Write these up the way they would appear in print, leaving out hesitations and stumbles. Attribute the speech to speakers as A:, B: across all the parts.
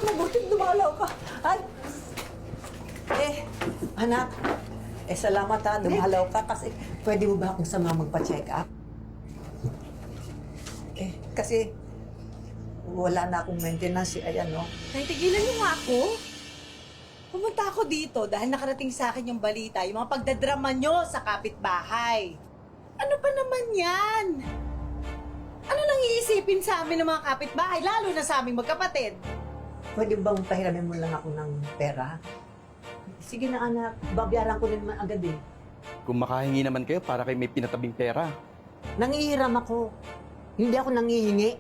A: mabuting dumalaw ka. Ay! Anak, salamat ha, dumalaw ka kasi pwede mo ba akong sama magpa-check up? Kasi wala na akong maintenance, ayan, no?
B: Nay, tigilan niyo nga ako. Pumunta ako dito dahil nakarating sa akin yung balita, yung mga pagdadrama nyo sa kapitbahay. Ano pa naman yan? Ano nang iisipin sa amin ng mga kapitbahay, lalo na sa aming magkapatid?
A: Pwede bang pahiramin mo lang ako ng pera? Sige na, anak, babayaran ko din agad eh.
C: Kung makahingi naman kayo para kayo may pinatabing pera.
A: Nangihiram ako. Hindi ako nangihingi.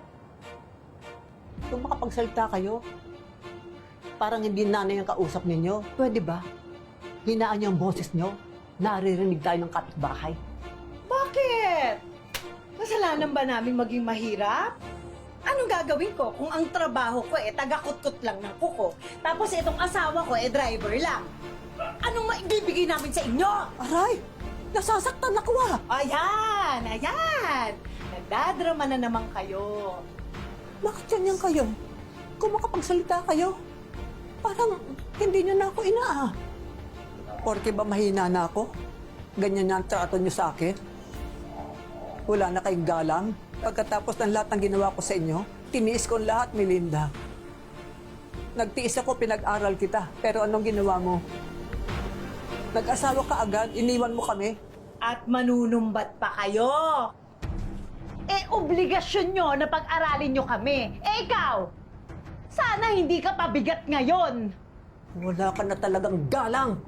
A: Kung makapagsalita kayo, parang hindi nanay ang kausap ninyo. Pwede ba? Hinaan niyo ang boses niyo. Naririnig tayo ng kapitbahay.
B: Bakit? Kasalanan ba namin maging mahirap? Anong gagawin ko kung ang trabaho ko taga-kutkot lang ng kuko, tapos itong asawa ko driver lang? Anong maibibigay namin sa inyo?
A: Aray! Nasasaktan ako ah!
B: Ayan! Ayan! Nagdadrama na naman kayo.
A: Bakit ganyan kayo? Kung makapagsalita kayo, parang hindi niyo na ako inaa. Porke ba mahina na ako? Ganyan na ang trato niyo sa akin? Wala na kayong galang? Pagkatapos ng lahat ng ginawa ko sa inyo, tiniis ko ang lahat, Melinda. Nagtiis ako, pinag-aral kita. Pero anong ginawa mo? Nag-asawa ka agad, iniwan mo kami.
B: At manunumbat pa kayo. Obligasyon nyo na pag-aralin nyo kami. Ikaw, sana hindi ka pabigat ngayon.
A: Wala ka na talagang galang.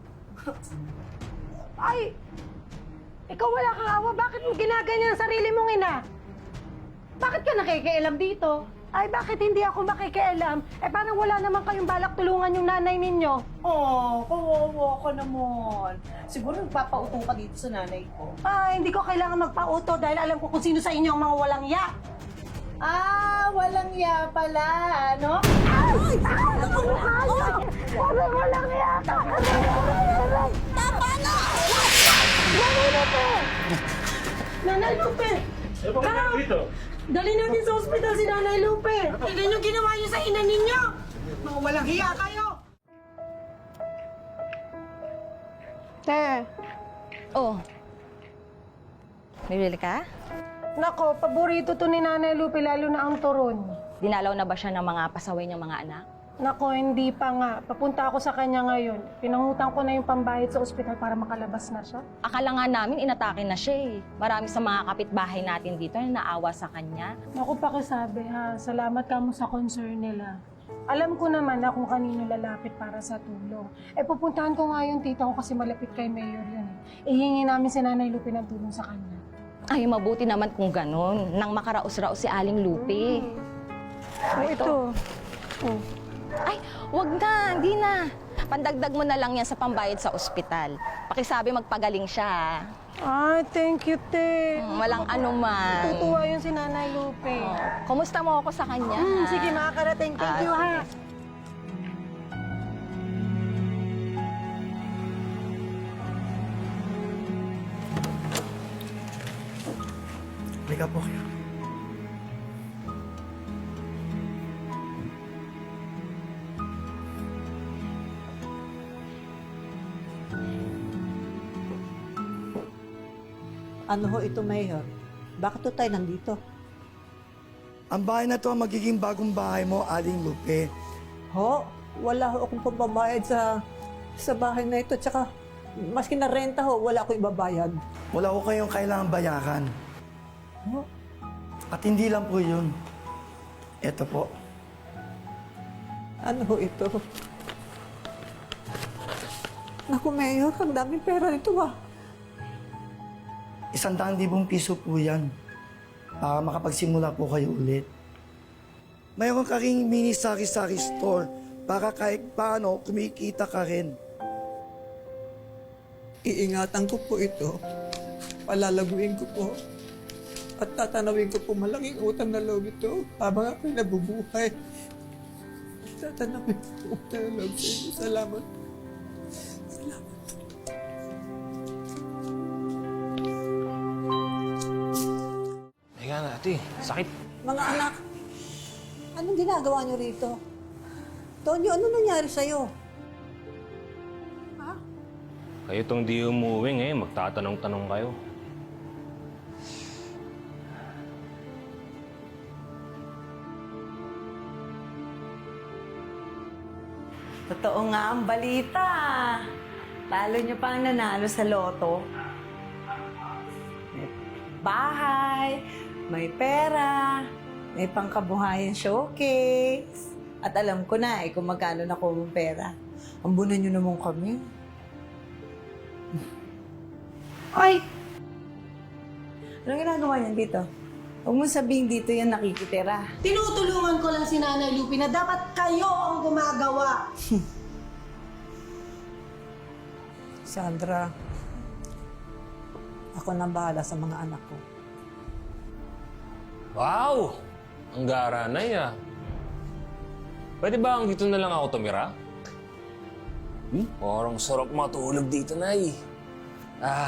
D: Ay! Ikaw wala kang awa. Bakit mo ginaganyan ang sarili mong ina?
B: Bakit ka nakikialam dito?
D: Ay, bakit hindi ako makikialam? Parang wala naman kayong balak tulungan yung nanay ninyo.
B: Oh, kawawa ka naman. Siguro nagpapautong ka dito sa nanay ko.
D: Ay, hindi ko kailangan magpauto dahil alam ko kung sino sa inyo ang mga walang ya.
B: Ah, walang ya pala, ano?
D: Ay! Ang mukha niyo! Sabi walang ya ka! Tama na! Nanay Lupe! Nanay Lupe! Tara! Dali natin sa ospital si Nanay Lupe! Tignan niyo ginawa niyo sa ina ninyo!
B: Mga walang hiya kayo!
D: Te,
E: Oh. Bibili ka?
D: nako, paborito to ni Nanay Lupe, lalo na ang turon.
E: Dinalaw na ba siya ng mga pasaway niyang mga anak?
D: Nako, hindi pa nga. Papunta ako sa kanya ngayon. Pinangutang ko na yung pambayad sa ospital para makalabas na siya.
E: Akala nga namin inatake na siya eh. Marami sa mga kapitbahay natin dito na naawa sa kanya.
D: Naku, pakisabi ha. Salamat ka mo sa concern nila. Alam ko naman na kung kanino lalapit para sa tulong. Pupuntahan ko nga yung tita ko kasi malapit kay Mayor yun eh. Ihingi namin si Nanay Lupe ng tulong sa kanya.
E: Ay, mabuti naman kung ganun. Nang makaraos-raos si Aling Lupe.
D: Ito. Oh.
E: Ay, wag na, hindi na. Pandagdag mo na lang yan sa pambayad sa ospital. Pakisabi magpagaling siya.
D: Ay, thank you, te.
E: Walang anuman.
D: Tutuwa yun si Nanay Lupe.
E: Oh, kumusta mo ako sa kanya?
D: Sige, makakarating. Thank you, ha.
F: Halika po kayo.
A: Ano ho ito, Mayor? Bakit to tayo nandito?
F: Ang bahay na to ang magiging bagong bahay mo, Aling Lupe.
A: Ho, wala ho akong pambayad sa bahay na ito. Tsaka, maski na renta ho, wala akong ibabayad.
F: Wala ko kayong kailangang bayaran.
A: Ho?
F: At hindi lang po yun. Ito po.
A: Ano ho ito? Naku, Mayor, ang daming pera nito ah.
F: 100,000 piso po yan. Para makapagsimula po kayo ulit. Mayroon ka ring mini sari-sari store para kahit paano kumikita ka rin.
A: Iingatan ko po ito. Palalaguin ko po. At tatanawin ko po malaking utang na loob ito habang ako'y nabubuhay. Tatanawin ko po utang na loob sa inyo. Salamat. Salamat.
G: Teka na, ate. Sakit.
A: Mga anak, anong ginagawa niyo rito? Tonyo, ano nangyari sa'yo? Ha?
G: Kayo tong di umuwi ngayon, magtatanong-tanong kayo.
B: Totoo nga ang balita. Lalo nyo pang nanalo sa loto. May bahay, may pera, may pangkabuhayan showcase. At alam ko na kung magkano na ko ang pera. Ambunan nyo naman kami. Ay! Anong ginagawa niyan dito? Huwag mo sabihin dito yan nakikitira.
D: Tinutulungan ko lang si Nanay Lupi na dapat kayo ang gumagawa.
A: Sandra, ako nang bahala sa mga anak ko.
G: Wow! Ang gara na ah. Pwede ba ang dito na lang ako tumira? Parang sarap matulog dito, Nay. Ah.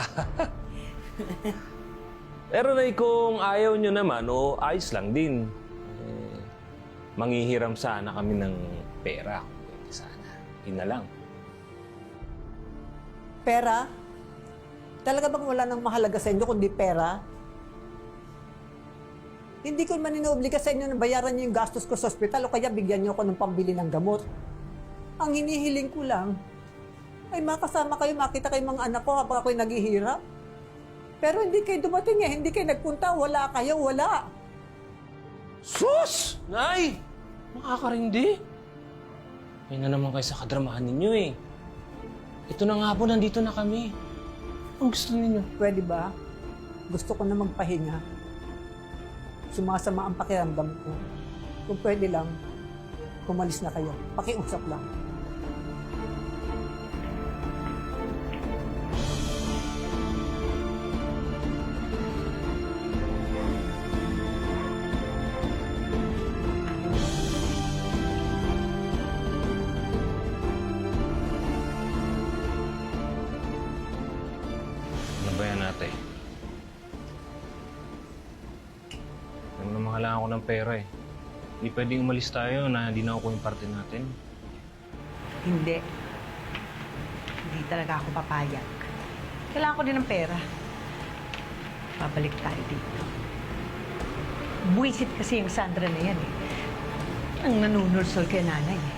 G: Pero Nay, kung ayaw nyo naman, o ayos lang din. Manghihiram sana kami ng pera. Pwede sana. Yun na lang.
A: Pera? Talaga bang wala nang mahalaga sa inyo kundi pera? Hindi ko man inuobliga sa inyo na bayaran niyo yung gastos ko sa ospital o kaya bigyan niyo ako ng pambili ng gamot. Ang hinihiling ko lang ay makasama kayo, makita kayo mga anak ko habang ako'y naghihirap. Pero hindi kayo dumating hindi kayo nagpunta, wala kayo, wala.
G: Sus! Nay! Makakarindi. Ay na naman kayo sa kadramahan ninyo eh. Ito na nga po, nandito na kami. Ang gusto ninyo?
A: Pwede ba? Gusto ko na magpahinga. Sumasama ang pakiramdam ko. Kung pwede lang, kumalis na kayo. Pakiusap lang.
G: Ano ba yan ate? Alam naman kailangan ko ng pera eh. Hindi pwedeng umalis tayo na hindi na ako yung parte natin.
B: Hindi. Hindi talaga ako papayag. Kailangan ko din ng pera. Babalik tayo dito. Buwisit kasi yung Sandra na yan eh. Ang nanunulsol kay nanay eh.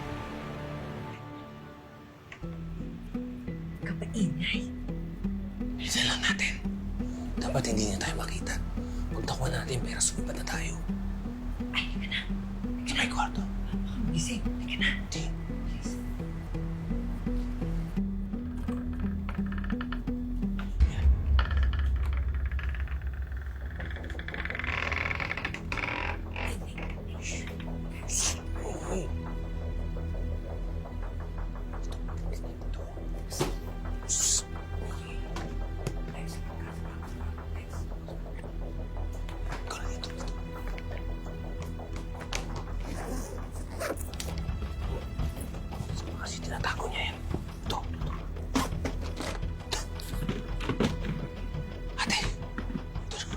B: Kapaingay.
G: Bilisan lang natin. Dapat hindi niya tayo makita. Pagtakuan natin, pera sumipat na tayo.
B: Ay, hindi ka na.
G: Sa may kwarto.
B: Baka magising. Hindi ka na.
G: Hindi. Kasi tinatago niya yan. Ito. Ate. Ito na.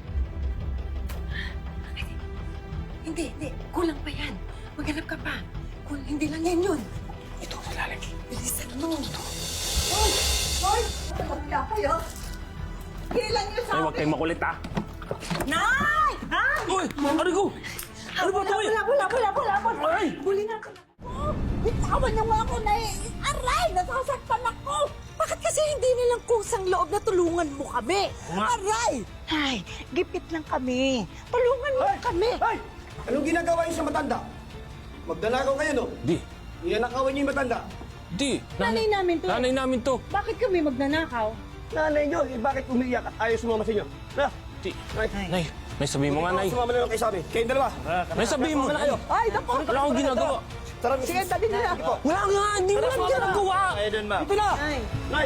B: Hindi. Kulang pa yan. Maghanap ka pa. Kung hindi lang yan yun.
G: Ito, sa lalim.
B: Bilisan mo.
A: Hoy! Kaya kayo? Kailan niyo sa
G: Ay, huwag kayong makulit ah.
B: Nay! Nay!
G: Uy! Ano ko? Ano ba ito?
B: Wala. Buli na ako.
D: Bitawan niyo nga ako na aray! Nasasaktan ako! Bakit kasi hindi nilang kusang loob na tulungan mo kami? Aray! Ay, gipit lang kami. Tulungan mo kami.
H: Ay! Anong ginagawa niyo sa matanda? Magdalagaw kayo, no?
G: Di.
H: Iyanakawan niyo yung matanda.
G: Di.
D: Nanay namin to.
G: Nanay namin to.
D: Bakit kami magnanakaw?
H: Nanay niyo, bakit umiiyak at ayaw sumama sa inyo? Na!
G: Di.
H: Nay!
G: Nay, may sabihin mo nga, Nay.
H: Sumama na lang kayo sa amin. Kayong dalawa.
G: May sabihin mo.
H: Sumama na kayo.
A: Ay, naku!
G: Wala akong ginagawa.
H: Tara,
A: Sige, dali nila.
G: Wala nga, hindi mo lang ginagawa.
H: Kayo dun, ma.
G: Ito na.
B: Nay!
H: Nay!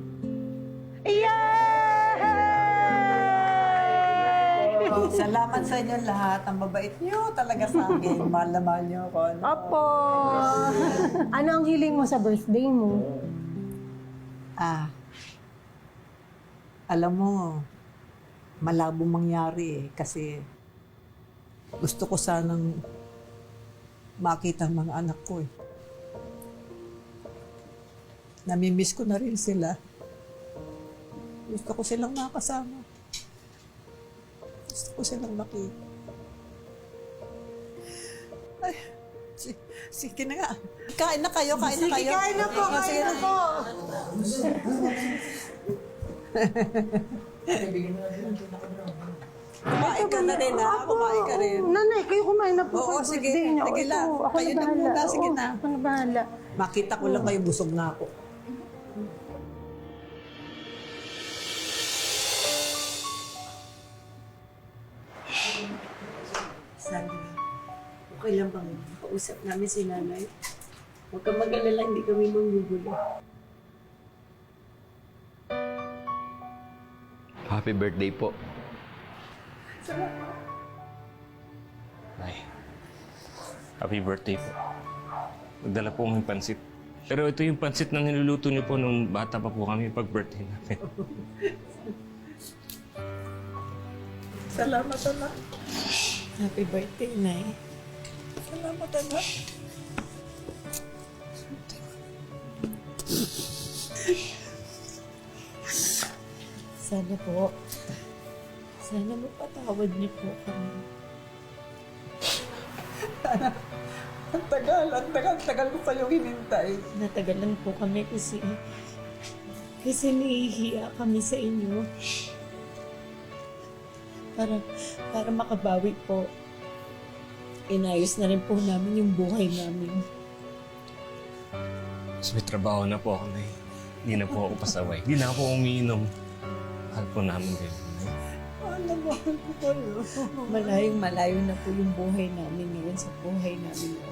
A: Salamat sa sa inyo lahat. Ang mabait niyo talaga sa akin. Mahal na mahal niyo ako. No?
D: Opo! Ano ang hiling mo sa birthday mo?
A: Alam mo, malabong mangyari kasi gusto ko sanang makita ang mga anak ko eh. Namimiss ko na rin sila. Gusto ko silang makasama. Gusto ko silang makita. Ay, sige na nga. Kain na kayo, kain na kayo.
D: Kain na po, kain na po!
A: Kumain ka na rin ha, kumain ka rin.
D: Nanay, kayo kumain na po.
A: Oo,
D: sa
A: sige.
D: birthday niyo.
A: Sige
D: Ito,
A: lang.
D: ako
A: Kayo na
D: bahala.
A: muna, sige
D: Oo,
A: na.
D: Ako na bahala.
A: Makita ko lang kayo, busog na ako.
I: Sandra, okay lang bang kausap namin si nanay? Huwag kang mag-alala, hindi kami manggugulo.
C: Happy birthday po.
G: Nay, happy birthday po. Nagdala po kami pansit. Pero ito yung pansit na niluluto niyo po nung bata pa po kami pag birthday namin.
A: Salamat, anak.
I: Happy birthday, Nay.
A: Salamat, anak.
I: Sana po, sana mapatawad niyo po kami.
A: Ang tagal ko kayong hinintay.
I: Natagalan po kami kasi nahihiya kami sa inyo. Para makabawi po, inayos na rin po namin yung buhay namin.
G: Mas may trabaho na po ako, Nay. Hindi na po ako pasaway. Hindi na ako umiinom. Mahal po namin kayo, Nay.
A: Alam mo, ko kayo.
I: Malayong malayo na po yung buhay namin ngayon sa buhay namin noon.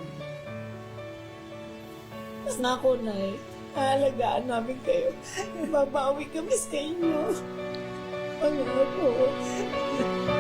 I: Mas nako, Nay, aalagaan namin kayo. Babawi kami sa inyo. Ano po?